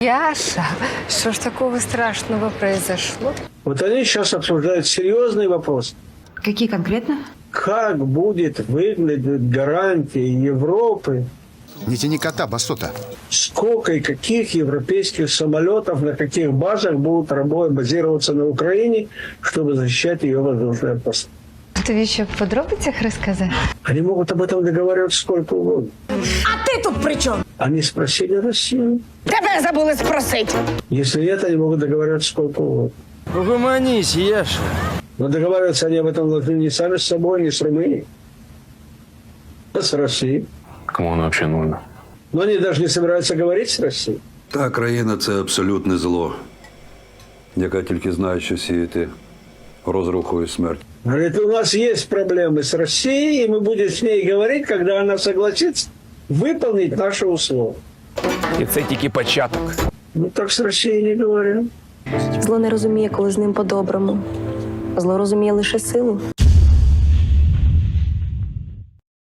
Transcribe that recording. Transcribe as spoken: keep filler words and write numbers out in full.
Яша, что ж такого страшного произошло? Вот они сейчас обсуждают серьезный вопрос. Какие конкретно? Как будет выглядеть гарантия Европы? Не тяни кота, басота. Сколько и каких европейских самолетов на каких базах будут работать, базироваться на Украине, чтобы защищать ее воздушное пространство? Ты еще в подробностях рассказать? Они могут об этом договариваться сколько угодно. А ти тут при чому? Они спросили Россию. Тебе забули спросити. Если нет, они могут договариваться сколько угодно. Угомонись, Яша. Но договариваться они об этом должны не сами с собой, не с Румынией, а с Россией. Кому воно взагалі нужно? Но они даже не собираются говорить с Россией. Та країна – це абсолютне зло, яка тільки знає, що сіяти розруху і смерть. Говорит, у нас есть проблемы с Россией, и мы будем с ней говорить, когда она согласится выполнить наши условия. І це тільки початок. Ну так с Россией не говорим. Зло не розуміє, коли з ним по-доброму. Зло розуміє лише силу.